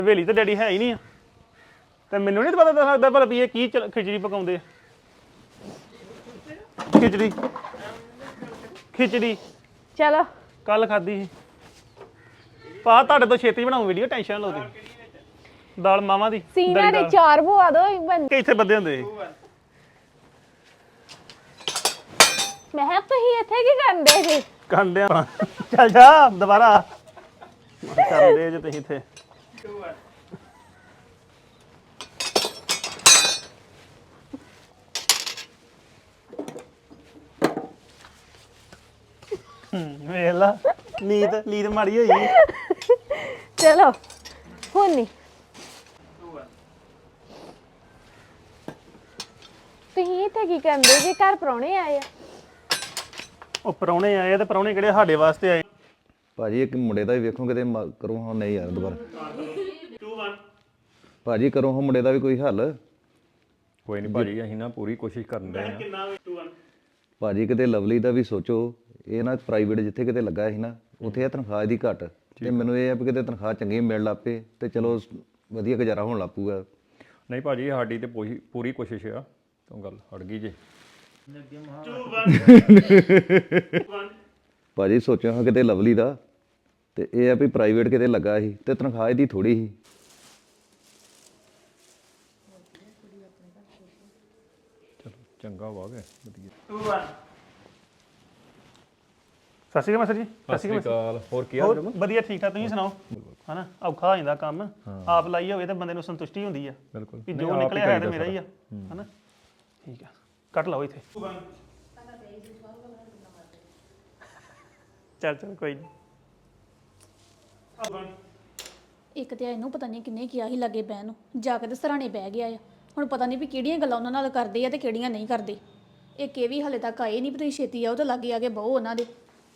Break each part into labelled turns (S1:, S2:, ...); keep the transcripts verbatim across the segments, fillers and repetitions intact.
S1: ਹਵੇਲੀ ਤੇ ਡੈਡੀ ਹੈ ਹੀ ਨਹੀਂ ਆ ਤੇ ਮੈਨੂੰ ਨਹੀਂ ਪਤਾ ਲੱਗਦਾ ਭਲਾ ਵੀ ਇਹ ਕੀ ਖਿਚੜੀ ਪਕਾਉਂਦੇ ਆ ਖਿਚੜੀ ਖਿਚੜੀ
S2: ਚਲੋ
S1: ਕੱਲ ਖਾਧੀ ਸੀ ਪਾ ਤੁਹਾਡੇ ਤੋਂ ਛੇਤੀ ਬਣਾਉਂ ਵੀਡੀਓ ਟੈਨਸ਼ਨ ਲਓ ਤੁਸੀਂ ਦਾਲ ਮਾਵਾਂ ਦੀ
S2: ਸੀਨਾ ਦੇ ਚਾਰ ਬੁਆ ਦੋ
S1: ਕਿੱਥੇ ਬੰਦੇ ਹੁੰਦੇ
S2: ਮੈਂ ਕਿਹਾ ਤੁਸੀਂ ਇੱਥੇ ਕੀ ਕਰਦੇ ਜੀ
S1: ਕੰਡਿਆਂ ਚੱਲ ਜਾ ਦੁਬਾਰਾ ਕਰਦੇ ਜੇ ਤੁਸੀਂ ਇੱਥੇ ਵੇਖ ਲਾ ਨੀਤ ਨੀਤ ਮਾੜੀ ਹੋਈ
S2: ਚਲੋ ਹੁਣ ਨਹੀਂ ਤੁਸੀਂ ਇੱਥੇ ਕੀ ਕਰਦੇ ਜੀ ਘਰ ਪ੍ਰਾਹੁਣੇ ਆਏ ਆ
S1: ਉਹ ਪ੍ਰਾਹੁਣੇ ਆਏ ਤੇ ਪ੍ਰਾਹੁਣੇ ਕਿਹੜੇ ਸਾਡੇ ਵਾਸਤੇ ਆਏ
S3: ਭਾਜੀ ਇੱਕ ਮੁੰਡੇ ਦਾ ਵੀ ਵੇਖੋ ਕਿਤੇ ਕਰੋ ਹਾਂ ਨਹੀਂ ਯਾਰ ਦੁਬਾਰਾ ਭਾਜੀ ਕਰੋ ਹਾਂ ਮੁੰਡੇ ਦਾ ਵੀ ਕੋਈ ਹੱਲ
S4: ਕੋਈ ਨਹੀਂ ਭਾਜੀ ਅਸੀਂ ਨਾ ਪੂਰੀ ਕੋਸ਼ਿਸ਼ ਕਰਨ ਦੇ ਆ
S3: ਭਾਜੀ ਕਿਤੇ ਲਵਲੀ ਦਾ ਵੀ ਸੋਚੋ ਇਹ ਨਾ ਪ੍ਰਾਈਵੇਟ ਜਿੱਥੇ ਕਿਤੇ ਲੱਗਾ ਸੀ ਨਾ ਉੱਥੇ ਇਹ ਤਨਖਾਹ ਦੀ ਘੱਟ ਤੇ ਮੈਨੂੰ ਇਹ ਆ ਵੀ ਕਿਤੇ ਤਨਖਾਹ ਚੰਗੀ ਮਿਲ ਲੱਪੇ ਤੇ ਚਲੋ ਵਧੀਆ ਗੁਜ਼ਾਰਾ ਹੋਣ ਲੱਪੂਗਾ
S4: ਨਹੀਂ ਭਾਜੀ ਸਾਡੀ ਤੇ ਪੂਰੀ ਕੋਸ਼ਿਸ਼ ਆ ਤੂੰ ਗੱਲ ਅੜ ਗਈ ਜੇ
S3: ਭਾਜੀ ਸੋਚਿਆ ਹਾਂ ਕਿਤੇ ਲਵਲੀ ਦਾ ਤੇ ਇਹ ਆ ਵੀ ਪ੍ਰਾਈਵੇਟ ਕਿਤੇ ਲੱਗਾ ਸੀ ਤੇ ਤਨਖਾਹ ਇਹਦੀ ਥੋੜੀ ਸੀ
S4: ਚਲੋ ਚੰਗਾ ਵਾ ਗਿਆ ਵਧੀਆ
S1: ਸਤਿ ਸ਼੍ਰੀ ਅਕਾਲ ਮਾਸਟਰ ਜੀ
S4: ਸਤਿ ਸ਼੍ਰੀ ਅਕਾਲ ਹੋਰ ਕੀ ਹਾਲ ਹੈ
S1: ਵਧੀਆ ਠੀਕ ਠਾਕ ਤੁਸੀਂ ਸੁਣਾਓ ਹਨਾ ਔਖਾ ਹੋ ਜਾਂਦਾ ਕੰਮ ਆਪ ਲਾਈ ਹੋਵੇ ਤਾਂ ਬੰਦੇ ਨੂੰ ਸੰਤੁਸ਼ਟੀ ਹੁੰਦੀ ਆ
S4: ਬਿਲਕੁਲ
S1: ਵੀ ਜੋ ਨਿਕਲਿਆ ਹੈ ਤੇ ਮੇਰਾ ਹੀ ਆ ਹਨਾ ਠੀਕ ਆ ਕੱਟ ਲਓ ਇੱਥੇ ਚੱਲ ਚੱਲ ਕੋਈ ਨਹੀਂ
S5: ਇੱਕ ਤੇ ਇਹਨੂੰ ਪਤਾ ਨਹੀਂ ਕਿੰਨੇ ਕਿਹਾ ਸੀ ਲੱਗੇ ਬਹਿਣ ਨੂੰ ਜਾ ਕੇ ਤੇ ਸਰਾਣੇ ਬਹਿ ਗਿਆ ਆ ਹੁਣ ਪਤਾ ਨਹੀਂ ਵੀ ਕਿਹੜੀਆਂ ਗੱਲਾਂ ਉਹਨਾਂ ਨਾਲ ਕਰਦੇ ਆ ਤੇ ਕਿਹੜੀਆਂ ਨਹੀਂ ਕਰਦੇ ਇੱਕ ਇਹ ਵੀ ਹਲੇ ਤੱਕ ਆਏ ਨਹੀਂ ਵੀ ਤੁਸੀਂ ਛੇਤੀ ਆਓ ਤੇ ਲਾਗੇ ਆ ਕੇ ਬਹੁ ਉਹਨਾਂ ਦੇ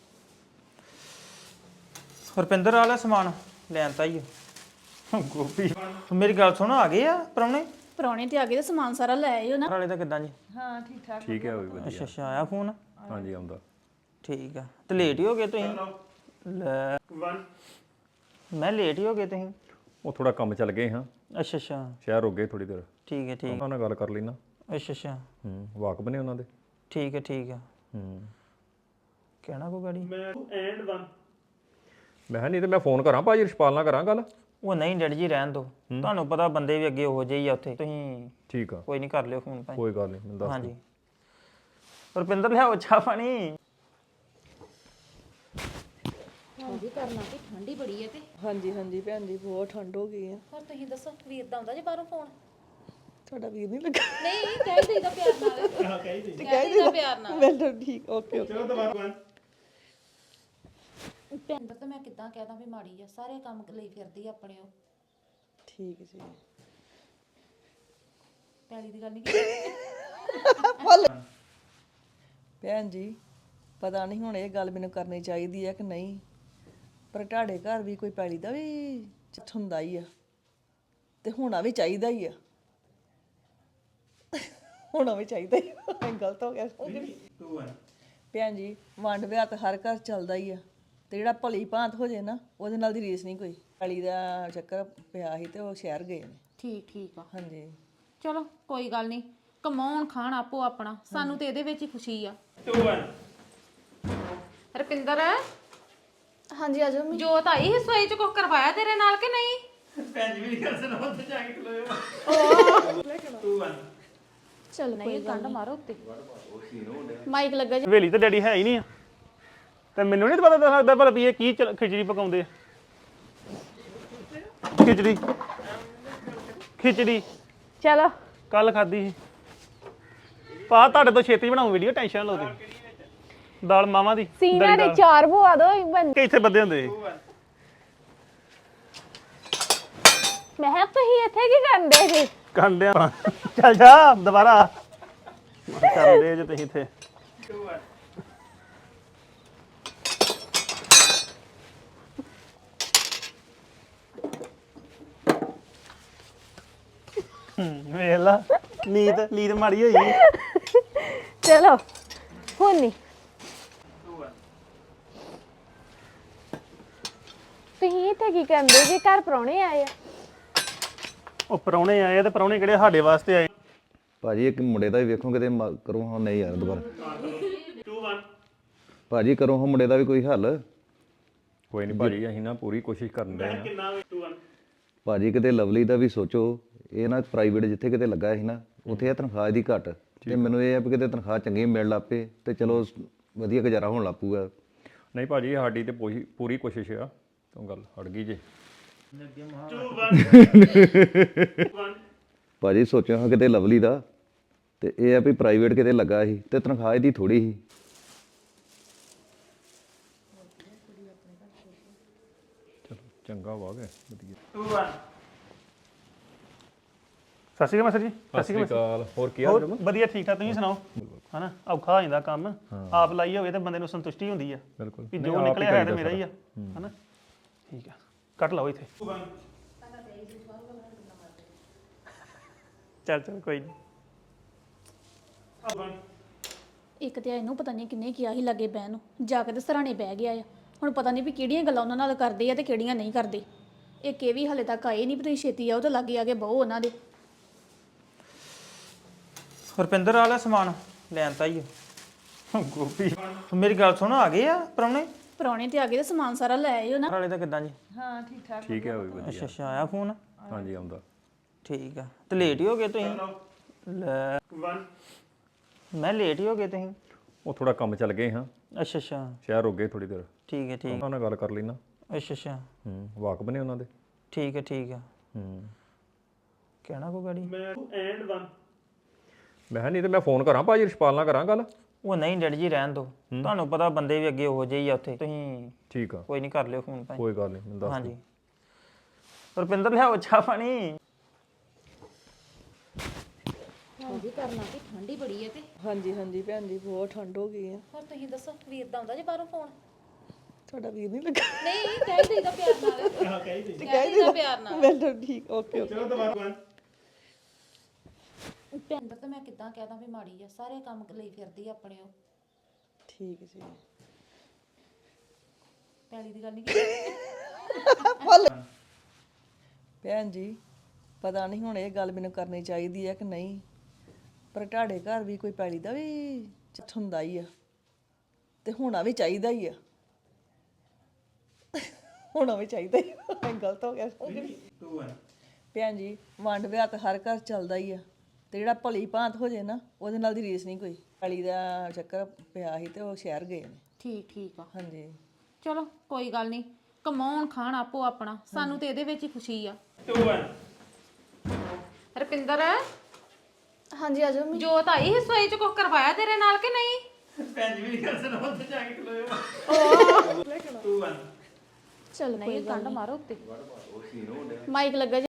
S6: ਹਰਪਿੰਦਰ ਵਾਲਾ ਸਮਾਨ ਲੈਣ ਤਾਂ ਹੀ ਗੋਪੀ ਮੇਰੀ ਗੱਲ ਸੁਣ ਆ ਗਏ ਆ ਪ੍ਰਾਹੁਣੇ
S5: ਪ੍ਰਾਹੁਣੇ ਤੇ ਆ ਗਏ ਤੇ ਸਮਾਨ ਸਾਰਾ ਲੈ ਆਇਓ ਨਾ
S6: ਵਾਲੇ ਤਾਂ ਕਿੱਦਾਂ ਜੀ
S4: ਠੀਕ ਹੈ ਉਹ ਵੀ ਵਧੀਆ
S6: ਅੱਛਾ ਅੱਛਾ ਆਇਆ ਫੋਨ
S4: ਹਾਂਜੀ ਆਉਂਦਾ
S6: ਠੀਕ ਆ ਤੇ ਲੇਟ ਹੀ ਹੋ ਗਏ ਤੁਸੀਂ ਲੈ ਮੈਂ ਲੇਟ ਹੀ ਹੋ ਗਏ ਤੁਸੀਂ
S4: ਉਹ ਥੋੜਾ ਕੰਮ ਚੱਲ ਗਏ ਹਾਂ
S6: ਅੱਛਾ ਅੱਛਾ
S4: ਸ਼ਹਿਰ ਹੋ ਗਏ ਥੋੜੀ ਦੇਰ
S6: ਠੀਕ ਹੈ ਠੀਕ
S4: ਉਹਨਾਂ ਨਾਲ ਗੱਲ ਕਰ ਲਈ ਨਾ
S6: ਅੱਛਾ ਅੱਛਾ
S4: ਹੂੰ ਵਾਕਬ ਨੇ ਉਹਨਾਂ ਦੇ
S6: ਠੀਕ ਹੈ ਠੀਕ ਆ
S4: ਹੂੰ
S6: ਕਹਿਣਾ ਕੋ ਗਾੜੀ
S1: ਐਂਡ ਵਨ
S4: ਮੈਂ ਕਿਹਾ ਨਹੀਂ ਤੇ ਮੈਂ ਫੋਨ ਕਰਾਂ ਭਾਜੀ ਰਿਸ਼ਪਾਲ ਨਾਲ ਕਰਾਂ ਗੱਲ
S6: ਉਹ ਨਹੀਂ ਡੈਡੀ ਜੀ ਰਹਿਣ ਦੋ ਤੁਹਾਨੂੰ ਪਤਾ ਬੰਦੇ ਵੀ ਅੱਗੇ ਹੋ ਜਾਈ ਆ ਉੱਥੇ ਤੁਸੀਂ
S4: ਠੀਕ ਆ
S6: ਕੋਈ ਨਹੀਂ ਕਰ ਲਿਓ ਫੋਨ ਭਾਈ
S4: ਕੋਈ ਗੱਲ ਨਹੀਂ ਮੈਨੂੰ ਦੱਸ
S6: ਹਾਂਜੀ ਹਰਪਿੰਦਰ ਲਿਆਓ ਚਾਹ ਪਾਣੀ
S5: ਹਾਂਜੀ ਕਰਨਾ ਤੇ ਠੰਡੀ ਬੜੀ ਹੈ ਤੇ
S7: ਹਾਂਜੀ ਹਾਂਜੀ ਭੈਣ ਜੀ ਬਹੁਤ ਠੰਡ ਹੋ ਗਈ ਆ
S5: ਹੋਰ ਤੁਸੀਂ ਦੱਸੋ ਵੀਰ ਦਾ ਆਉਂਦਾ ਜੇ ਬਾਹਰੋਂ ਫੋਨ
S7: ਤੁਹਾਡਾ ਵੀਰ ਨਹੀਂ ਲੱਗਾ
S5: ਨਹੀਂ ਕਹਿ ਦੇਈਦਾ ਪਿਆਰ ਨਾਲ
S1: ਹਾਂ ਕਹੀ ਦੇ
S5: ਕਹਿ ਦੇਈਦਾ ਪਿਆਰ ਨਾਲ
S7: ਵੈਲ ਠੀਕ ਓਕੇ ਓਕੇ
S1: ਚਲੋ ਦੁਬਾਰਾ
S5: ਭੈਣ ਤਾਂ ਮੈਂ ਕਿੱਦਾਂ ਕਹਿਦਾ ਵੀ ਮਾੜੀ ਆ ਸਾਰੇ ਕੰਮ ਲਈ ਫਿਰਦੀ ਆ ਆਪਣੇ ਉਹ
S7: ਠੀਕ ਜੀ
S5: ਪੈਲੀ ਦੀ ਗੱਲ ਨਹੀਂ ਕੀਤੀ
S7: ਭੈਣ ਜੀ ਪਤਾ ਨਹੀਂ ਹੁਣ ਇਹ ਗੱਲ ਮੈਨੂੰ ਕਰਨੀ ਚਾਹੀਦੀ ਹੈ ਕਿ ਨਹੀਂ ਪਰ ਤੁਹਾਡੇ ਘਰ ਵੀ ਕੋਈ ਪੈਲੀ ਦਾ ਵੀ ਚੱਠ ਹੁੰਦਾ ਹੀ ਆ ਤੇ ਹੋਣਾ ਵੀ ਚਾਹੀਦਾ ਹੀ ਆ ਹੋਣਾ ਵੀ ਚਾਹੀਦਾ ਹੀ ਆ ਗਲਤ ਹੋ ਗਿਆ ਭੈਣ ਜੀ ਵੰਡ ਵਿਆਹ ਤਾਂ ਹਰ ਘਰ ਚੱਲਦਾ ਹੀ ਆ ਤੇ ਜਿਹੜਾ ਭਲੀ ਭਾਂਤ ਹੋ ਜੇ ਨਾ ਉਹਦੇ ਨਾਲ ਦੀ ਰੀਸ ਨਹੀਂ ਕੋਈ ਪੈਲੀ ਦਾ ਚੱਕਰ ਪਿਆ ਸੀ ਤੇ ਉਹ ਸ਼ਹਿਰ ਗਏ ਨੇ
S5: ਠੀਕ ਠੀਕ ਆ
S7: ਹਾਂਜੀ
S5: ਚਲੋ ਕੋਈ ਗੱਲ ਨਹੀਂ ਕਮਾਉਣ ਖਾਣ ਆਪੋ ਆਪਣਾ ਸਾਨੂੰ ਤੇ ਇਹਦੇ ਵਿੱਚ ਹੀ ਖੁਸ਼ੀ ਆ ਰਪਿੰਦਰ
S2: ਹਾਂਜੀ ਆ ਜਾਓ
S5: ਜੋਤ ਆਈ ਹਿੱਸੋਈ ਚ ਕੁਝ ਕਰਵਾਇਆ ਤੇਰੇ ਨਾਲ ਕਿ ਨਹੀਂ
S1: ਭੈਣ ਜੀ ਵੀ ਗੱਲ ਸੁਣਾਓ ਉੱਥੇ ਜਾ ਕੇ ਖਲੋਇਓ
S2: ਚਲ
S5: ਨਹੀਂ ਕੰਡ ਮਾਰੋ ਉੱਤੇ
S2: ਮਾਈਕ ਲੱਗਾ ਜੀ
S1: ਹਵੇਲੀ ਤੇ ਡੈਡੀ ਹੈ ਹੀ ਨਹੀਂ ਆ ਤੇ ਮੈਨੂੰ ਨਹੀਂ ਪਤਾ ਲੱਗਦਾ ਭਲਾ ਵੀ ਇਹ ਕੀ ਖਿਚੜੀ ਪਕਾਉਂਦੇ ਆ ਖਿਚੜੀ ਖਿਚੜੀ
S2: ਚਲੋ
S1: ਕੱਲ ਖਾਧੀ ਸੀ ਪਾ ਤੁਹਾਡੇ ਤੋਂ ਛੇਤੀ ਬਣਾਉਂ ਵੀਡੀਓ ਟੈਨਸ਼ਨ ਲਓ ਤੁਸੀਂ ਦਾਲ ਮਾਵਾਂ ਦੀ
S2: ਸੀਨਾ ਦੇ ਚਾਰ ਬੁਆ ਦੋ
S1: ਕਿੱਥੇ ਬੰਦੇ ਹੁੰਦੇ
S2: ਮੈਂ ਕਿਹਾ ਤੁਸੀਂ ਇੱਥੇ ਕੀ ਕਰਦੇ ਜੀ
S1: ਕੰਡਿਆਂ ਚੱਲ ਜਾ ਦੁਬਾਰਾ ਕਰਦੇ ਜੇ ਤੁਸੀਂ ਇੱਥੇ ਵੇਖ ਲਾ ਨੀਤ ਨੀਤ ਮਾੜੀ ਹੋਈ
S2: ਚਲੋ ਹੁਣ ਨਹੀਂ ਤੁਸੀਂ ਇੱਥੇ ਕੀ ਕਰਦੇ ਜੀ ਘਰ ਪ੍ਰਾਹੁਣੇ ਆਏ ਆ
S1: ਉਹ ਪਰੌਣੇ ਆਏ ਆ ਤੇ ਪਰੌਣੇ ਕਿਹੜੇ ਸਾਡੇ ਵਾਸਤੇ ਆਏ
S3: ਭਾਜੀ ਇੱਕ ਮੁੰਡੇ ਦਾ ਵੀ ਵੇਖੋ ਕਿਤੇ ਮ- ਕਰੋ ਹਾਂ ਨਹੀਂ ਯਾਰ ਦੁਬਾਰਾ ਭਾਜੀ ਕਰੋ ਹਾਂ ਮੁੰਡੇ ਦਾ ਵੀ ਕੋਈ ਹੱਲ
S4: ਕੋਈ ਨਹੀਂ ਭਾਜੀ ਅਸੀਂ ਨਾ ਪੂਰੀ ਕੋਸ਼ਿਸ਼ ਕਰਨ ਦੇ ਆ
S3: ਭਾਜੀ ਕਿਤੇ ਲਵਲੀ ਦਾ ਵੀ ਸੋਚੋ ਇਹ ਨਾ ਪ੍ਰਾਈਵੇਟ ਜਿੱਥੇ ਕਿਤੇ ਲੱਗਾ ਸੀ ਨਾ ਉੱਥੇ ਇਹ ਤਨਖਾਹ ਦੀ ਘੱਟ ਤੇ ਮੈਨੂੰ ਇਹ ਆ ਵੀ ਕਿਤੇ ਤਨਖਾਹ ਚੰਗੀ ਮਿਲ ਲੱਗ ਪਏ ਤੇ ਚਲੋ ਵਧੀਆ ਗੁਜ਼ਾਰਾ ਹੋਣ ਲੱਗ ਪੂਗਾ
S4: ਨਹੀਂ ਭਾਜੀ ਸਾਡੀ ਤੇ ਪੂਰੀ ਪੂਰੀ ਕੋਸ਼ਿਸ਼ ਆ ਤੋਂ ਗੱਲ ਅੜ ਗਈ ਜੇ
S3: ਭਾਜੀ ਸੋਚਿਆ ਹਾਂ ਕਿਤੇ ਲਵਲੀ ਦਾ ਤੇ ਇਹ ਆ ਵੀ ਪ੍ਰਾਈਵੇਟ ਕਿਤੇ ਲੱਗਾ ਸੀ ਤੇ ਤਨਖਾਹ ਇਹਦੀ ਥੋੜੀ ਸੀ
S4: ਚਲੋ ਚੰਗਾ ਵਾ ਗਿਆ ਵਧੀਆ
S1: ਸਤਿ ਸ਼੍ਰੀ ਅਕਾਲ ਮਾਸਟਰ ਜੀ
S4: ਸਤਿ ਸ਼੍ਰੀ ਅਕਾਲ ਹੋਰ ਕੀ ਹਾਲ
S1: ਹੋਰ ਵਧੀਆ ਠੀਕ ਠਾਕ ਤੁਸੀਂ ਸੁਣਾਓ ਹਨਾ ਔਖਾ ਹੋ ਜਾਂਦਾ ਕੰਮ ਆਪ ਲਾਈ ਹੋਵੇ ਤੇ ਬੰਦੇ ਨੂੰ ਸੰਤੁਸ਼ਟੀ ਹੁੰਦੀ ਆ
S4: ਬਿਲਕੁਲ
S1: ਵੀ ਜੋ ਨਿਕਲਿਆ ਹੋਇਆ ਤੇ ਮੇਰਾ ਹੀ ਆ ਹਨਾ ਠੀਕ ਆ ਕੱਟ ਲਓ ਇੱਥੇ ਚੱਲ ਚੱਲ ਕੋਈ ਨਹੀਂ
S5: ਇੱਕ ਤੇ ਇਹਨੂੰ ਪਤਾ ਨਹੀਂ ਕਿੰਨੇ ਕਿਹਾ ਸੀ ਲੱਗੇ ਬਹਿਣ ਨੂੰ ਜਾ ਕੇ ਤੇ ਸਰਾਣੇ ਬਹਿ ਗਿਆ ਆ ਹੁਣ ਪਤਾ ਨਹੀਂ ਵੀ ਕਿਹੜੀਆਂ ਗੱਲਾਂ ਉਹਨਾਂ ਨਾਲ ਕਰਦੇ ਆ ਤੇ ਕਿਹੜੀਆਂ ਨਹੀਂ ਕਰਦੇ ਇੱਕ ਇਹ ਵੀ ਹਲੇ ਤੱਕ ਆਏ ਨਹੀਂ ਵੀ ਤੁਸੀਂ ਛੇਤੀ ਆਓ ਤੇ ਲਾਗੇ ਆ ਕੇ ਬਹੁ ਉਹਨਾਂ ਦੇ
S6: ਰੁਪਿੰਦਰ ਵਾਲਾ ਸਮਾਨ ਲੈਣ ਤਾਂ ਹੀ ਆ। ਗੋਪੀ ਮੇਰੀ ਗੱਲ ਸੁਣ ਆ ਗਏ ਆ ਪ੍ਰਾਹੁਣੇ
S5: ਪ੍ਰਾਹੁਣੇ ਤੇ ਆ ਗਏ ਤੇ ਸਮਾਨ ਸਾਰਾ ਲੈ ਆਇਓ ਨਾ
S6: ਵਾਲੇ ਦਾ ਕਿੱਦਾਂ ਜੀ
S7: ਹਾਂ ਠੀਕ ਠਾਕ
S4: ਠੀਕ ਹੈ ਉਹ ਵੀ ਵਧੀਆ
S6: ਅੱਛਾ ਅੱਛਾ ਆਇਆ ਫੋਨ
S4: ਹਾਂਜੀ ਆਉਂਦਾ
S6: ਠੀਕ ਆ ਤੇ ਲੇਟ ਹੀ ਹੋ ਗਏ ਤੁਸੀਂ ਲੈ ਮੈਂ ਲੇਟ ਹੀ ਹੋ ਗਏ ਤੁਸੀਂ
S4: ਉਹ ਥੋੜਾ ਕੰਮ ਚੱਲ ਗਏ ਹਾਂ
S6: ਅੱਛਾ ਅੱਛਾ
S4: ਸ਼ਹਿਰ ਰੁਕ ਗਏ ਥੋੜੀ ਦੇਰ
S6: ਠੀਕ ਹੈ ਠੀਕ
S4: ਉਹਨਾਂ ਨਾਲ ਗੱਲ ਕਰ ਲਈ ਨਾ
S6: ਅੱਛਾ ਅੱਛਾ
S4: ਹੂੰ ਵਾਕ ਬਣੇ ਉਹਨਾਂ ਦੇ
S6: ਠੀਕ ਹੈ ਠੀਕ ਆ
S4: ਹੂੰ
S6: ਕਹਿਣਾ ਕੋ ਗਾੜੀ
S4: ਮੈਂ ਕਿਹਾ ਨਹੀਂ ਤੇ ਮੈਂ ਫੋਨ ਕਰਾਂ ਭਾਜੀ ਰਿਸ਼ਪਾਲ ਨਾਲ ਕਰਾਂ ਗੱਲ
S6: ਉਹ ਨਹੀਂ ਡੈਡੀ ਜੀ ਰਹਿਣ ਦੋ ਤੁਹਾਨੂੰ ਪਤਾ ਬੰਦੇ ਵੀ ਅੱਗੇ ਉਹੋ ਜਿਹੇ ਹੀ ਆ ਉੱਥੇ ਤੁਸੀਂ
S4: ਠੀਕ ਆ
S6: ਕੋਈ ਨਹੀਂ ਕਰ ਲਿਓ ਫੋਨ ਭਾਈ
S4: ਕੋਈ ਗੱਲ ਨਹੀਂ ਮੈਨੂੰ ਦੱਸ
S6: ਹਾਂਜੀ ਰੁਪਿੰਦਰ ਲਿਆਓ ਚਾਹ ਪਾਣੀ
S7: ਹਾਂਜੀ ਹਾਂਜੀ ਭੈਣ ਜੀ ਬਹੁਤ ਠੰਡ ਹੋ ਗਈ ਆ
S5: ਹੋਰ ਤੁਸੀਂ ਦੱਸੋ ਵੀਰ ਦਾ ਆਉਂਦਾ ਜੇ ਬਾਹਰੋਂ ਫੋਨ
S7: ਤੁਹਾਡਾ ਵੀਰ ਨਹੀਂ ਲੱਗਾ
S5: ਨਹੀਂ ਕਹਿ ਦੇਈਦਾ ਪਿਆਰ ਨਾਲ
S7: ਹਾਂ ਕਹਿ ਦੇ ਪਿਆਰ ਨਾਲ ਮੈਂ ਠੀਕ ਓਕੇ ਓਕੇ
S2: ਪਿੰਦਰ ਤਾਂ ਮੈਂ ਕਿੱਦਾਂ ਕਹਿਦਾ ਵੀ ਮਾੜੀ ਆ ਸਾਰੇ ਕੰਮ ਲਈ ਫਿਰਦੀ ਆ ਆਪਣੇ ਉਹ
S7: ਠੀਕ ਜੀ
S2: ਪੈਲੀ ਦੀ ਗੱਲ ਨਹੀਂ ਕੀਤੀ
S7: ਭੈਣ ਜੀ ਪਤਾ ਨਹੀਂ ਹੁਣ ਇਹ ਗੱਲ ਮੈਨੂੰ ਕਰਨੀ ਚਾਹੀਦੀ ਹੈ ਕਿ ਨਹੀਂ ਪਰ ਤੁਹਾਡੇ ਘਰ ਵੀ ਕੋਈ ਪੈਲੀ ਦਾ ਵੀ ਚੱਥ ਹੁੰਦਾ ਹੀ ਆ ਤੇ ਹੋਣਾ ਵੀ ਚਾਹੀਦਾ ਹੀ ਆ ਹੋਣਾ ਵੀ ਚਾਹੀਦਾ ਹੀ ਆ। ਮੈਂ ਗਲਤ ਹੋ ਗਿਆ ਭੈਣ ਜੀ ਵੰਡ ਵਿਆਹ ਤਾਂ ਹਰ ਘਰ ਚੱਲਦਾ ਹੀ ਆ ਤੇ ਜਿਹੜਾ ਭਲੀ ਭਾਂਤ ਹੋ ਜੇ ਨਾ ਉਹਦੇ ਨਾਲ ਦੀ ਰੀਸ ਨਹੀਂ ਕੋਈ ਪੈਲੀ ਦਾ ਚੱਕਰ ਪਿਆ ਸੀ ਤੇ ਉਹ ਸ਼ਹਿਰ ਗਏ ਨੇ
S2: ਠੀਕ ਠੀਕ ਆ
S7: ਹਾਂਜੀ
S2: ਚਲੋ ਕੋਈ ਗੱਲ ਨਹੀਂ ਕਮਾਉਣ ਖਾਣ ਆਪੋ ਆਪਣਾ ਸਾਨੂੰ ਤੇ ਇਹਦੇ ਵਿੱਚ ਹੀ ਖੁਸ਼ੀ ਆ ਰੁਪਿੰਦਰ
S5: ਹਾਂਜੀ ਆ ਜਾਓ
S2: ਜੋਤ ਆਈ ਹਿੱਸੋਈ ਚ ਕੁਝ ਕਰਵਾਇਆ ਤੇਰੇ ਨਾਲ ਕਿ ਨਹੀਂ
S5: ਚਲ ਨਹੀਂ ਕੰਡ ਮਾਰੋ ਉੱਤੇ ਮਾਈਕ ਲੱਗਾ